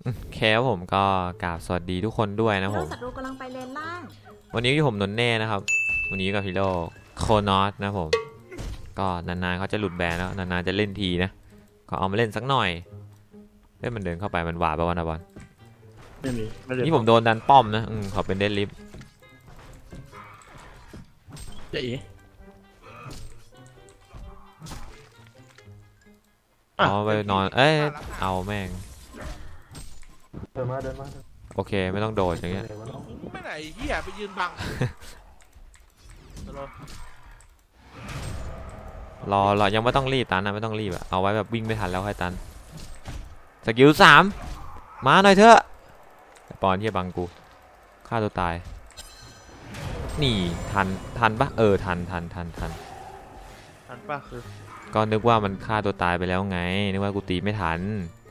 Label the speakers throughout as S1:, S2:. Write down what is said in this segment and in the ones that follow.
S1: แค่ผมก็กราบสวัสดีทุกคนด้วยนะผ
S2: ฮีโร่
S1: ม
S2: ศัตรูกำลังไปเลนล่าง
S1: วันนี้ผมนนเน่นะครับวันนี้กับฮีโร่โคโนอสนะผมก็นานๆเขาจะหลุดแบนแล้วนานๆจะเล่นทีนะก็เอามาเล่นสักหน่อยเล่นมันเดินเข้าไปมันหวาดปะวะนะบอล
S3: ไม่มีไม่ได้
S1: นี่ผมโดนดันป้อมนะขอเป็นเดดลิฟ
S3: จะอี
S1: เอาไปนอนเอาแม่ง
S4: เดินมา
S1: โอเคไม่ต้องโดดอย่างเงี้ย
S3: ไม่ไหนเหี้ยไปยืนบัง
S1: รอยังไม่ต้องรีบตันนะไม่ต้องรีบอะเอาไว้แบบวิ่งไม่ทันแล้วค่อยตันสกิล3มาหน่อยเถอะปอนที่บังกูฆ่าตัวตายนี่ทันปะทัน
S3: ทันป่ะคือ
S1: ก็นึกว่ามันฆ่าตัวตายไปแล้วไงนึกว่ากูตีไม่ทัน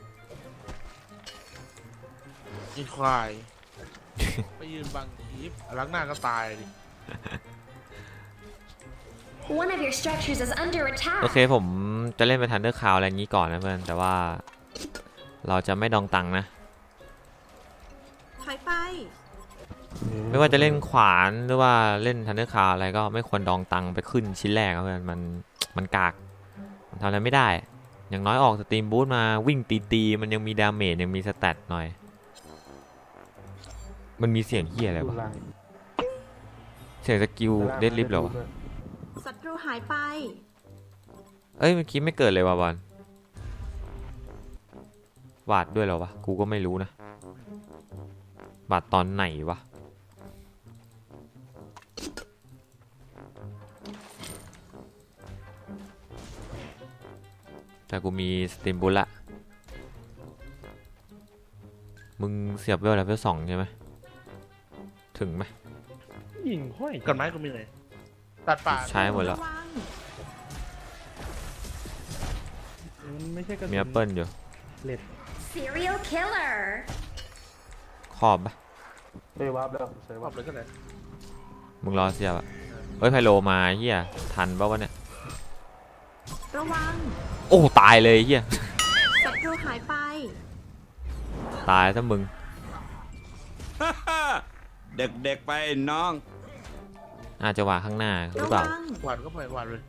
S3: อีควายไปยืนบังคีฟล้างหน้าก็ตายดิ
S5: One of your structures is under
S1: โอ
S5: attack.
S1: เคผมจะเล่นไปทันเดอร์คาวอะไรอย่างนี้ก่อนนะเพื่อนแต่ว่าเราจะไม่ดองตังนะ
S2: ถอยไป
S1: ไม่ว่าจะเล่นขวานหรือว่าเล่นทันเดอร์คาวอะไรก็ไม่ควรดองตังไปขึ้นชิ้นแรกครับเพื่อนมันกากมันทำอะไรไม่ได้อย่างน้อยออกสตรีมบูทมาวิ่งตีมันยังมีดาเมจยังมีสแตทหน่อยมันมีเสียงเฮียอะไรวะเสียงสกิลเดดลิฟต์เหรอวะ
S2: ศัตรูหายไป
S1: เอ้ยเมื่อกี้ไม่เกิดเลยวะบอลวาดด้วยเหรอวะกูก็ไม่รู้นะวาดตอนไหนวะแต่กูมีสตรีมบูทละมึงเสียบเวลแล้วเวล2ใช่ไหมถึงไหม
S4: ยิงห้อย
S3: กันไม้กูมีไหนตัดป่า
S1: ใช้หมดแล้ว
S2: ระวัง
S4: มันไม่ใช่กระสุน
S1: มีแอปเปิลอยู่
S4: เล็ด
S5: Serial killer.
S1: ขอบปะ
S4: เอ้ยวาร์ปแล้วใช่
S3: ขอ
S4: วา
S3: บ
S4: ร์ป
S3: เลยก็ได้
S1: มึงรอเสียบอะเฮ้ยไพโลมาเฮียทันปะวะเนี่ย
S2: ระวัง
S1: โอ้ตายเลยเฮีย
S2: ศัตรูหายไป
S1: ตายถ้ามึง
S6: เด็กๆไปน้อง
S1: อาจจะวางข้างหน้าหรือเปล่า
S2: ระวัง
S3: หวานก็ไปหวานเลย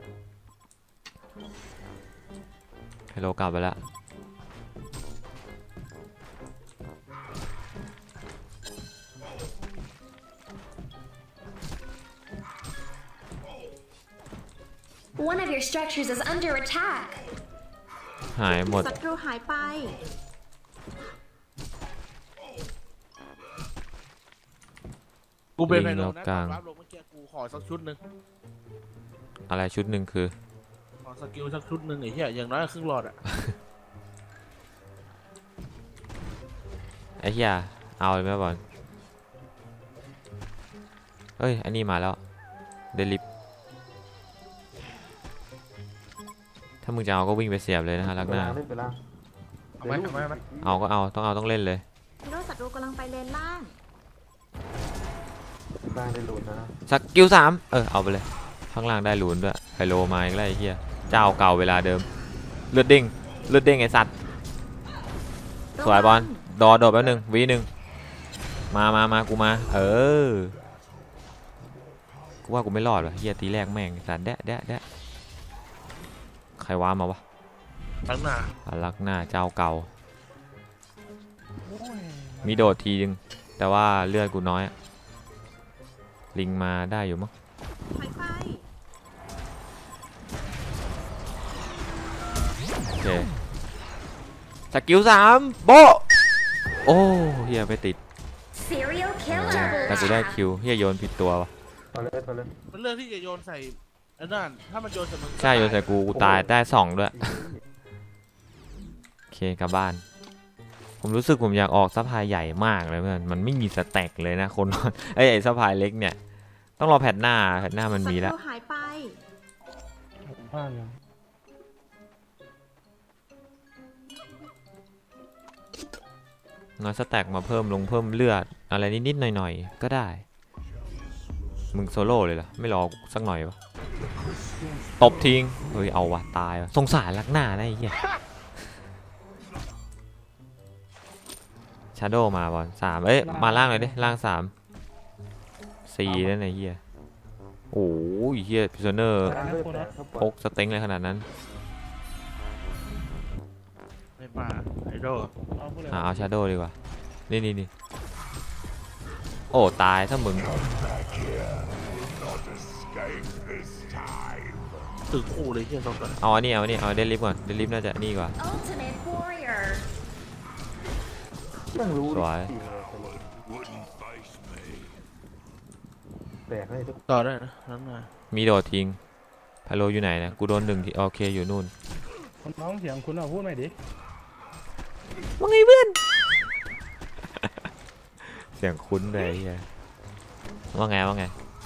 S1: ไพโลกลับไปแล้ว
S5: One of your structures is under attack.
S1: หายหมด
S2: ศัตรูหายไป
S3: กูเป็นไพ
S1: ลิง
S3: โล
S1: แล้ว
S3: นะ
S1: กลาง
S3: รับลงเมื่อกี้กูขอสักชุดหนึ่ง
S1: อะไรชุดหนึ่งคือ
S3: ขอสกิลสักชุดหนึ่งไอ้เหี้ยอย่างน้อยครึ่งหลอดอ่ะ
S1: ไอ้เหี้ยเอาเลยไหมบอลเฮ้ยอันนี้มาแล้วเดลิฟถ้ามึงจะเอาก็วิ่งไปเสียบเลยนะฮะลักหน้า
S4: เล่นไปล่าง
S3: เอาไหมเอาไหมเอาไหม
S1: เอาก็เอาต้องเล่นเลย
S2: ฮีโร่ศัตรูกำลังไปเลนล่าง
S4: ล่างได้หลุดนะ
S1: สกิล3เอาไปเลยข้างล่างได้หลุนด้วยไพโลมาอีกแล้วไอ้เหี้ยเจ้าเก่าเวลาเดิมเลือดเด้งไอ้สัตว์สวยบอลโดดแป๊บนึงวีหนึ่งมากูมากูว่ากูไม่รอดว่ะเหี้ยตีแรกแม่งไอ้สัตว์แดะใครว้ามาวะ
S3: ตั้งหน้า
S1: ลักหน้าเจ้าเก่ามีโดดทีนึงแต่ว่าเลือดกูน้อยลิงมาได้อยู่มั้ง
S2: ถอยไป
S1: โอเคสกิล3โบโอ้เฮียไม่ติด
S5: Serial killer.
S1: แต่กูได้คิวเฮียโยนผิดตัววะ
S4: เอาเลยเอาเลย
S3: มันเรื่องที่จะโยนใส่ไอ้นั่นถ้ามันโยนใส่มึง
S1: ใช่โยนใส่กูตายได้2ด้วยโอเคกลับบ้านผมรู้สึกผมอยากออกซัพพลายใหญ่มากเลยเพื่อนมันไม่มีสแต็กเลยนะคน ไอ้ซัพพลายเล็กเนี่ยต้องรอแพทหน้ามัน
S2: ศั
S1: มี
S2: ต
S1: แล้ว
S2: รูหายไป
S4: ผมพลาดยัง
S1: น้อยสแต็กมาเพิ่มเลือดอะไรนิดๆหน่อยๆก็ได้มึงโซโล่เลยเหรอไม่รอสักหน่อยวะตบทิ้งเฮ้ยเอาวะตายวะสงสารลักหน้าได้ไอ้เหี้ยชาโดมาบอล3เอ้ยมาล่างเลยดิล่าง3 4นั่นไอ้เหี้ยโอ้ยเหี้ยพิซเนอร์
S4: กลางด้วยแต่ถ้าป
S1: พ
S4: ล่อย
S1: กสเต็งเลยขนาดนั้น
S3: ไม่มาไอโด
S4: เอาพูดเลย
S1: เอาชาโดดีกว่านี่โอ้ตายถ้ามึง
S3: ตึกคู่เลยเฮียสองคน
S1: เอาอันนี้เอาเดลิฟก่อนเดลิฟน่าจะนี่กว่า
S5: Ultimate warrior.
S4: ยังรู้
S1: สวย
S4: จริงเลยแตกให้ทุก
S3: ต่อได้นะนั้นมา
S1: มีโดดทิ้งไพโลอยู่ไหนนะกูโดน1ทีโอเคอยู่นู่น
S4: คนน้องเสียงคุณเอาพูดหน่อยดิ
S1: ว่าไงเพื่อน เสียงคุ้นเลยไอ้เฮียว่าไง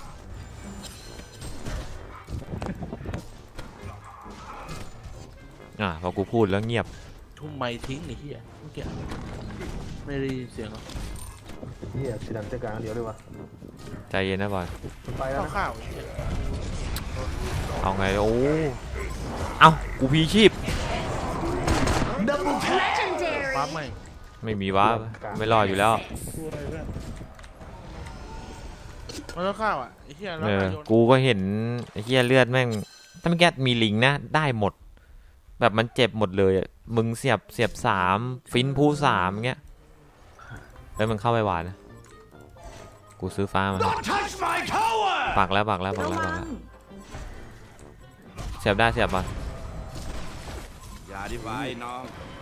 S1: พอกูพูดแล้วเงียบ
S3: ทุ่มไม้ทิ้งไอ้เฮียเมื่อกี้ไม่ได้ยินเสียงหรอก
S4: เฮียสีดำเจ้ากลางเดียวเลยวะ
S1: ใจเย็นนะบอล
S4: มันไปแล้วนะ
S3: ข้าวๆไอ้เฮีย
S1: เอาไงโอ้เอ้ากูพีชีพ
S5: Legendary.
S3: ปั๊บไม่
S1: ไม่มีวะไม่รอดอยู่แล้ว
S4: พูดอะไรเพื่อน
S3: มันต้องข้าวอ่ะไอ้เฮียแล้ว
S1: เออ
S3: มาโยน
S1: กูก็เห็นไอ้เหี้ยเลือดแม่งถ้าไม่แก้มีลิงนะได้หมด แบบมันเจ็บหมดเลยอะมึงเสียบ3ฟินผู้3เงี้ยแล้วมันเข้าไปหวานนะกูซื้อฟ้ามาปักแล้ว
S2: ระวัง
S1: เสียบได้เสียบมา
S6: อย่าดิไว้น้อง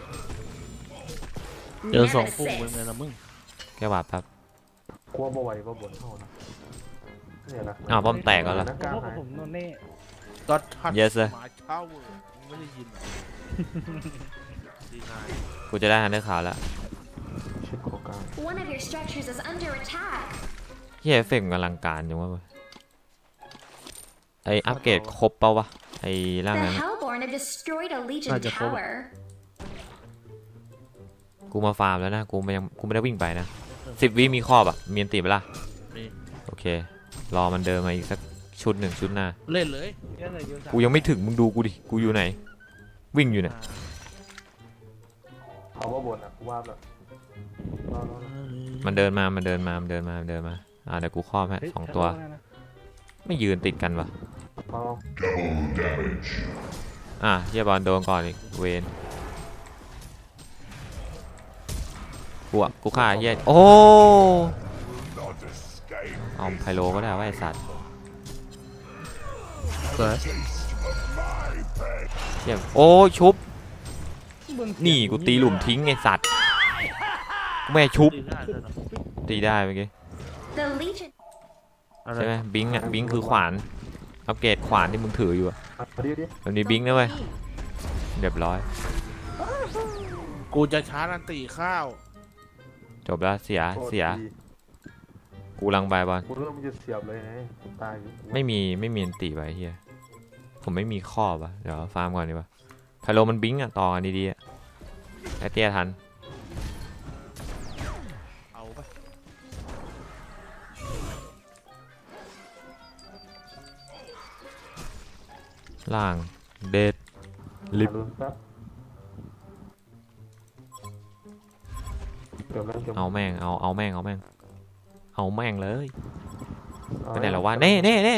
S3: เจอสองคู่เป็นไงล่ะมึง
S1: แค่หวาดครับ
S4: กลัวบ่ไหวบ่บ่นเท่านะเนี่ยนะ
S1: อ้าวป้อมแตกแล้วเหรอ
S4: นักกลางหาย
S7: ผมโนเน่
S3: ก็ทัด
S1: Yes sir
S3: หมาเช่าเว้ยมึงไม่ได้ยินเหรอดีนาย
S1: กูจะได้ฮันเดอร์ขาวแล้ว
S4: ชิดโคกลาง
S5: One of your structures is under attack.
S1: เฮียเอฟเฟกต์มันอลังการจังวะเว้ยไออัปเกรดครบเปล่าวะไอร่าง
S5: The
S1: นั้น
S5: Hellborn have destroyed a Legion
S3: Aja, coba.
S5: tower.
S1: กูมาฟาร์มแล้วนะกูไม่ได้วิ่งไปนะ10 วิมีครอบอ่ะมีอันติไปละ
S3: นี่
S1: โอเครอมันเดินมาอีกสักชุดหนึ่งชุดหน้า
S3: เล่นเลย
S7: เยอะเลยเยอะ
S1: กูยังไม่ถึงมึงดูกูดิกูอยู่ไหน วิ่งอยู่เนี่ย
S4: เอาว่าบ่นอ่ะกูว่าแบบรอ
S1: มันเดินมาเดี๋ยวกูครอบให้2 ตัวไม่ยืนติดกันวะ
S4: พอ
S1: เฮียบอลโดนก่อนอีกเวนกูฆ่าเฮียโอ้เอาไพโลก็ได้ว่าไอสัตว์
S3: เกิด
S1: เฮียโอ้ชุบนี่กูตีหลุมทิ้งไอสัตว์แม่ชุบ
S3: ดีได้เลยเนอะ
S1: ตีได้เมื่อกี้
S5: The Legion.
S3: อะไร
S1: ใช่ไหมบิงค์บิงค์คือขวานอัปเกรดขวานที่มึงถืออยู่อะ
S4: เอาดิ
S1: แบบนี้บิงค์นะเว้ยเรียบร้อย
S3: กูจะชาร์จอันตีข้าว
S1: จบแล้วเสียกูลังใบบอล
S4: กูเริ่มจะเสียบเลยไงตายอยู่
S1: ไม่มีอันติไปเฮียผมไม่มีครอบอะเดี๋ยวฟาร์มก่อนดีกว่าไพโลมันบิงค์อะต่อกันดีๆอะไอเตี้ยทัน
S3: เอาไป
S1: ล่างเดด ลิฟต์
S4: ลุ้นแป๊บเกือบแล้วเกือบ
S1: เอาแม่งเอาแม่งเลยไปไหนแล้ววะเน่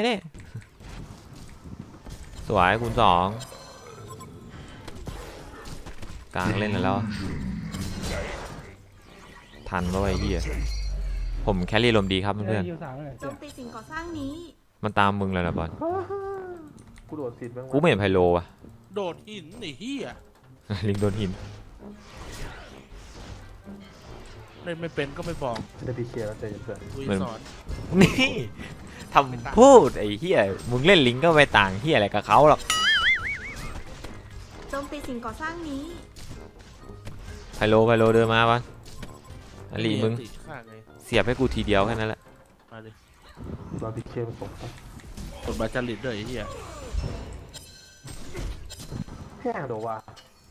S1: สวยคูณ2กลางเล่นแล้วทันด้วยเฮียผมแครี่ลมดีครับ
S7: เพื่
S1: เพื่
S7: อ
S1: อน น
S7: ยูสามเลย
S2: โจมตีสิ่งก่อสร้างนี้
S1: ๆมันตามมึงเลยนะบอล
S4: กูโดดติดบ้าง
S1: กูไม่เห็นไพโลอะ
S3: โดดหินไอ้เหี้ย
S1: ลิงโดนหิน
S3: เล่นไม่เป็นก็ไม่บอก
S4: จะได้พีเคแล้วใจเย็น
S3: กู
S1: เหมือน
S3: สอน
S1: นี่ทำพูดไอ้เฮียมึงเล่นลิงก็ไปต่างเฮียอะไรกับเขาหรอก
S2: โจมตีสิ่งก่อสร้างนี้
S1: ไพโลเดินมาปะอลีมึง
S3: ตีข้าไง
S1: เสียบให้กูทีเดียวแค่นั้นแหละ
S3: มาดิ
S4: รอพีเคผสมครับ
S3: กดบาจาริตด้วยไอ้เหี้ย
S4: แห้งโดว่า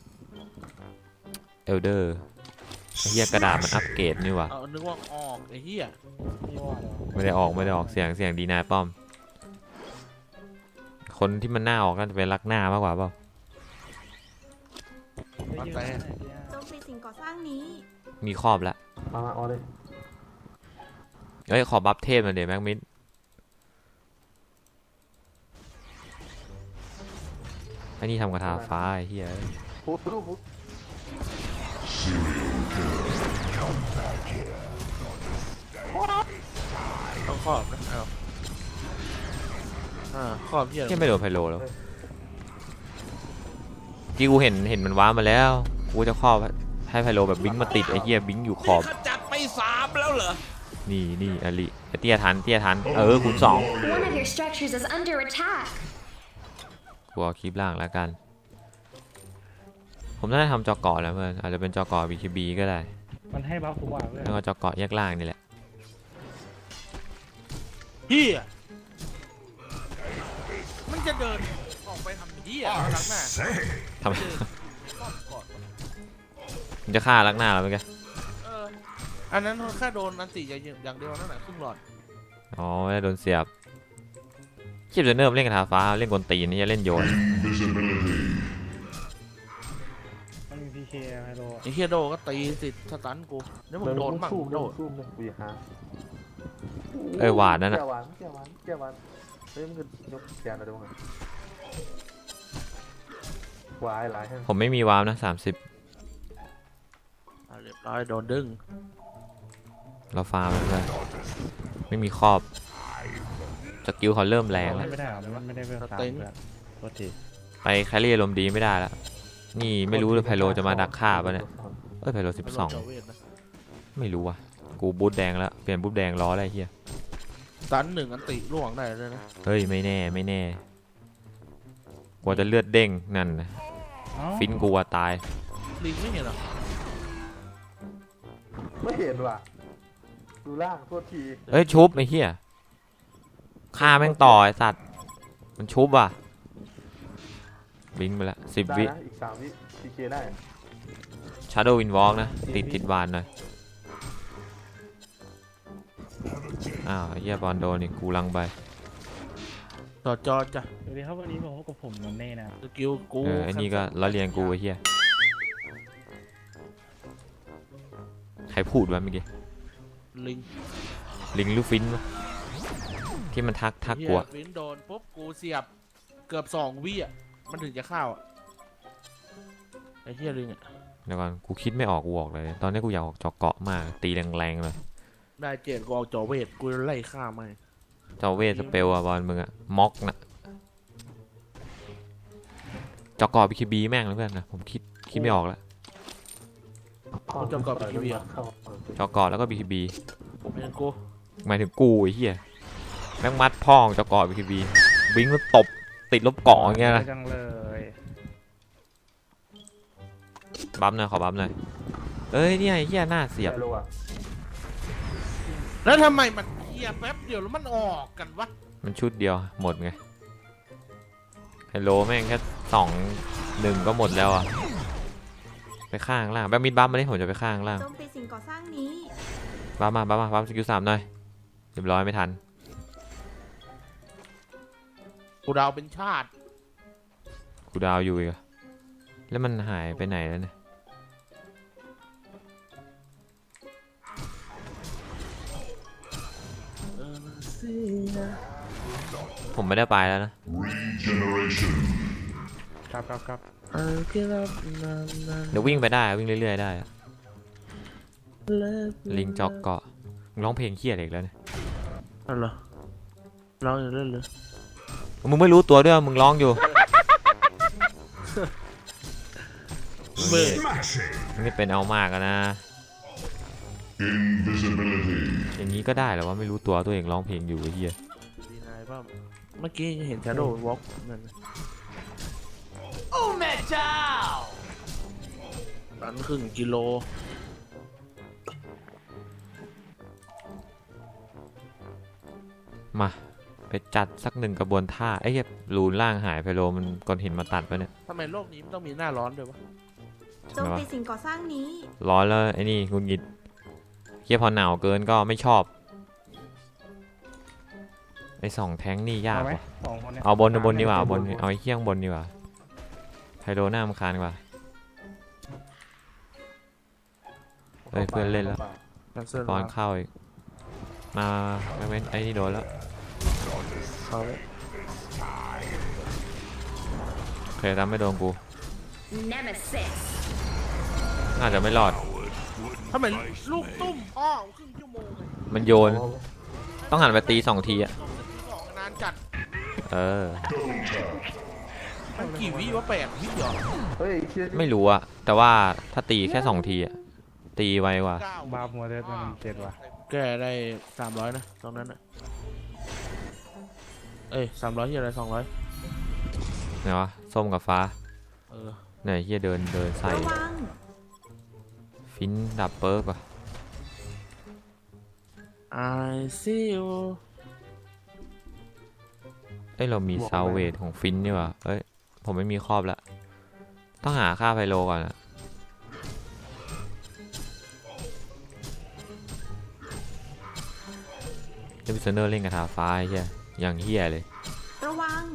S1: เอลเดอร์ไอ้เฮียกระดาษมันอัปเกรดนี่วะ
S3: เอานึกว่าออกไอ้เหี้ย
S7: นี่ว่าเหรอ
S1: ไม่ได้ออกเสียงดีนายป้อม คนที่มันหน้าออกน่าจะเป็นรักหน้ามากกว่าเปล่า
S3: มาแต่
S2: โจมตีสิ่งก่อสร้างนี้
S1: มีครอบแล้ว
S4: มาเอาเลย
S1: เฮ้ยขอบัฟเทพหน่อยเดี๋ยวแม็กมิดไอ้นี่ทำกระทาฟ้าไอ้เหี้ย
S4: พุทธพุทธ
S3: ต้องครอบนะเอาครอบเพี้ย
S1: เหี้ยไม่โดนไพโลแล้วที่กูเห็นมันว้ามาแล้วกูจะครอบให้ไพโลแบบบิงมาติดไอ้เหี้ยบิงอยู่ขอบ
S6: ขจัดไป3แล้วเหรอ
S1: นี่อลิเตี้ยทันคูณ 2
S5: One of your structures is under attack.
S1: กูเอาคลิปล่างแล้วกันผมน่าจะทำจอเกาะแล้วเพื่อนอาจจะเป็นจอเกาะ BKB ก็ได้
S4: มันให้บัฟทุกวันเลย
S1: แล้วก็จอเกาะแยกล่างนี่แหละ
S3: เฮียมันจะเดินออกไปทำเฮียหลังหน้า
S1: ทำไม มันจะฆ่าลักหน้าแล้วเมื่อกี้
S3: อันนั้นแค่โดนอันติอย่างเดียวนั่นแหละครึ่งหลอด
S1: อ๋อไม่ได้โดนเสียบคลิปจะเนิ่มเล่นกระทาฟ้าเล่นกลตีนนี่จะเล่นโยน
S4: มันมีพีเคไฮโล
S3: ไอ้เฮียโดก็ตีติดสตันกูแล้วมึงโดนมั่งโดน
S4: ซูมเลยกูอยากหา
S1: หวานนั่นน่ะ
S4: แก้วหวานเฮ้ยมันคือยกแกนอะไรบ้างวายหลายแห่ง
S1: ผมไม่มีวาร์มนะ30
S3: เรียบร้อยโดนดึง
S1: เราฟาร์มเลยไม่มีครอบสกิลเขาเริ่มแรงแล้ว
S4: ไม่ได้หรอมันไม่ได้เพื่อตามเพื่อนโทษที
S1: ไปแครี่อารมณ์ดีไม่ได้แล้วนี่ไม่รู้เลยไพโลจะมาดักฆ่าปะเนี่ยไพโล
S3: ไม่ลงเจ้าเวทนะ
S1: 12ไม่รู้ว่ะกูบูทแดงแล้วเปลี่ยนบูทแดงล้ออะไรเฮีย
S3: สตันหนึ่งอันติล่วงได้เลยนะ
S1: เฮ้ยไม่แน่กว่าจะเลือดเด้งนั่นนะฟินกูว่าตาย
S3: ลิงไม่เห็นหรอ
S4: ไม่เห็นว่ะดูล่างโทษที
S1: เอ้ยชุบไอ้เหี้ยฆ่าแม่งต่อไอ้สัตว์มันชุบว่ะบิงไปละ10
S4: ได้
S1: วิ
S4: นะอีก3 วิพีเคได้
S1: Shadow Windwalk นะติดวานหน่อยอ้าวไอ้เหี้ยบอลโดนนี่กูลังไป
S3: ต่อจอจ้ะ
S4: สวัสดีครับวันนี้ผมพบกับผมนนเน่นะ
S3: สกิลกู
S1: ไอ้นี่ก็ล้อเลียนกูไอ้เหี้ยใครพูดวะเมื่อกี้
S3: ลิง
S1: ลิงหรือฟินวะที่มันทักกู
S3: เหี้ย
S1: อะ
S3: วินโดนปุ๊บกูเสียบเกือบ2 วิอ่ะมันถึงจะเข้าอ่ะไอ้เฮียลิงอ่ะ
S1: เดี๋ยวก่อนกูคิดไม่ออกกูออกเลยตอนนี้กูอยากออกจอเกาะมากตีแรงๆเลย
S3: ได้เจ็ดกูเอาจอเวทกูไล่ฆ่ามัน
S1: เจ้าเวทสเปลอะบอลมึงอะม็อกนะจอกรอบบีคีบีแม่งเลยเพื่อนนะผมคิดไม่ออกแล้ว
S3: จอกรอบ BKB อ่ะ
S1: จอกรอบแล้วก็บีคีบี
S3: ไม่ใช่กู
S1: หมายถึงกูไอ้เหี้ยแม่งมัดพ่องจอกรอบบีคีบีบิงแล้วตบติดลบเกาะอย่างเงี้ยนะ
S4: จังเลย
S1: บัฟหน่อยขอบัฟหน่อยเอ้ยเนี่ยไอ้เหี้ยหน้าเสียบ
S4: ไฮโลอ่ะ
S3: แล้วทำไมมันเฮียแป๊บเดียวแล้วมันออกกันวะ
S1: มันชุดเดียวหมดไงไฮโลแม่งแค่2-1ก็หมดแล้วอะไปข้างล่างแบบมิดบัฟมาดิผมจะไปข้างล่าง
S2: โจมตีสิ่งก่อสร้างนี้
S1: บัฟสกิล3หน่อยเรียบร้อยไม่ทัน
S3: กูดาวเป็นชาติ
S1: กูดาวอยู่อีกอะแล้วมันหายไปไหนแล้วเนี่ยผมไม่ได้ไปแล้วนะ
S4: ครับ
S1: เดี๋ยววิ่งไปได้วิ่งเรื่อยๆได้อะลิงจอกเกาะมึงร้องเพลงเครียดอีกแล้วเนี่ย
S3: อะไรเหรอร้องอยู่เล่นเลย
S1: มึงไม่รู้ตัวด้วยว่ามึงร้องอยู่
S3: เบื่อ
S1: มึงนี่เป็นเอามากอะนะอย่างนี้ก็ได้เหรอว่าไม่รู้ตัวตัวเองร้องเพลงอยู่ไอ้เหี้ย
S3: ดีนายป่ะเมื่อกี้เห็น Shadow Walk นั่นนะ
S6: โอ้แม่เจ้า
S3: ตันครึ่งกิโล
S1: มาไปจัดสัก1กระบวนท่าไอ้เหี้ยรูนล่างหายไปโลมันก้อนหินมาตัดไปเนี่ย
S3: ทำไมโลกนี้มันต้องมีหน้าร้อนด้วยวะ
S2: โจมตีสิ่งก่อสร้างนี้
S1: ร้อนแล้วไอ้นี่งุนงิดเหี้ยพอหนาวเกินก็ไม่ชอบไอ้2แท้งนี่ยากว่ะ เอาบนดีกว่าเอาไอ้เขี้ยงบนดีกว่าไฮโดหน้ามนคานดีกว่าเฮ้ยเพื่อนเล่นแล้ว
S4: เ
S3: แคนเซิล
S1: ตอนเข้าอีกมาไม่เว้นไอ้นี่โดนแล้ว
S3: เขา
S1: โอเคตามไม่โดนกู
S5: Nemesis.
S1: น่าจะไม่รอด
S3: ถ้าเหมือนลูกตุ้มอ้อครึ่งชั่วโมงเลย
S1: มันโยนต้องหันไปตี2 ทีอ่ะ
S3: สองนานจัด
S1: เออ
S3: มันกี่วิวะ8 วิเหรอ
S4: เฮ้ยเชี่ย
S1: ไม่รู้อะแต่ว่าถ้าตีแค่2 ทีอะตีไวกว่า
S3: 9
S4: บาปหัวเด็ดมันเจ็ดว่ะ
S3: แกได้300นะตรงนั้นนะเอ้ย300ที่อะไร200
S1: ไหนวะส้มกับฟ้า
S3: เออ
S1: ไหนเฮียเดินใส่
S2: ระวัง
S1: ฟินดับเปิร์กว่ะ
S3: I see you
S1: เอ้ยเรามีซาวเวทของฟินนี่ว่ะเอ้ยผมไม่มีครอบละต้องหาค่าไพโลก่อนอะเดวิสเนอร์เล่นกับทาฟ้าไอ้เฮียอย่างเฮียเลย
S2: ระวัง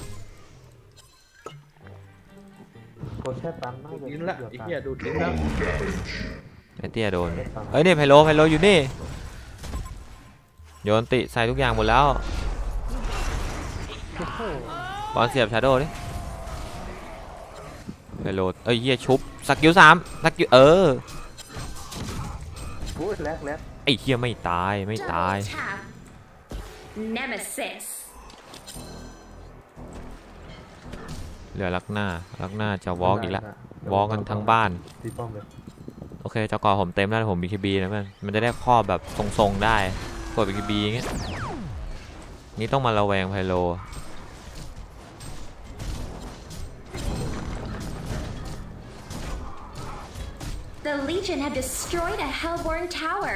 S4: กดแช่ตันน่าจะ
S6: ลิ้นละไอ้เหี้ยดูดลิ้นแล้ว
S1: ไอเตี้ยโดนเอ้ยนี่ไพโลอยู่นี่โยนติใส่ทุกอย่างหมดแล้วบอลเสียบชาโดว์ดิไพโลเอ้ยเฮียชุบสกิล3สกิล
S4: โอ้ยแลก
S1: ไอ้เฮียไม่ตายไม่ตาย
S5: Double tap. Nemesis.
S1: เหลือลักหน้าจะวอล์กอีกแล้ววอล์กกันทั้งบ้าน
S4: ตีป้อมเลย
S1: โอเคเจ้ากอผมเต็มแล้วผม BKB นะมันจะได้ครอบแบบทรงๆได้กด BKB อย่างเงี้ยนี่ต้องมาระแวงไพโล
S5: The Legion have destroyed a Hellborn tower.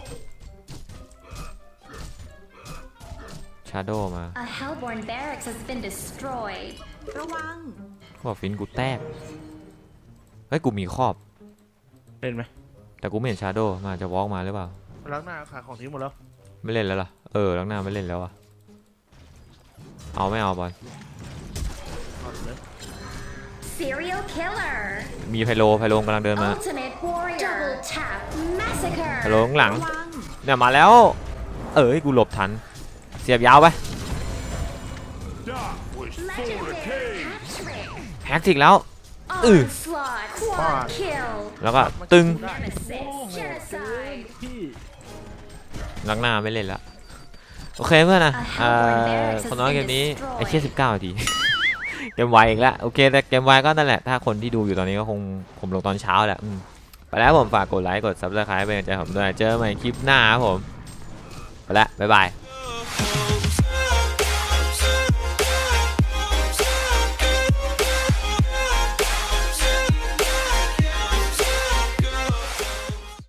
S1: ชาโดมา
S5: A Hellborn barracks has been destroyed.
S2: ระวัง
S1: บอกฟินกูแตกเฮ้ยกูมีครอบ
S3: เล่นไหม
S1: แต่กูไม่เห็นชาโดมาจะวอล์กมาหรือเปล่า
S3: ล้างหน้าขายของทิ้งหมดแล้ว
S1: ไม่เล่นแล้วล่ะลักหน้าไม่เล่นแล้วอะเอาไม่เอาบอล
S3: เอาเลย
S5: Serial killer.
S1: มีไพโลกำลังเดินมา
S5: Ultimate warrior. Double tap. Massacre.
S1: ไพโลข้างหลัง
S2: ระวัง
S1: เนี่ยมาแล้วกูหลบทันเสียบยาวไป
S5: Legendary hat-trick.
S1: แฮกติกแล้ว
S5: Onslaught. Quad kill.
S1: แล้วก็ตึง
S5: Nemesis. Genocide.
S3: พี่
S1: ลักหน้าไม่เล่นละโอเคเพื่อนนะคนน้อยเกมนี้ไอ้เชี่ย19 นาที เกมไวอีกแล้วโอเคแต่เกมไวก็นั่นแหละถ้าคนที่ดูอยู่ตอนนี้ก็คงผมลงตอนเช้าแหละไปแล้วผมฝากกดไลค์กด Subscribe เป็นกำลังใจผมด้วยเจอกันใหม่คลิปหน้าครับผมไปแล้วบ๊ายบาย
S6: Oh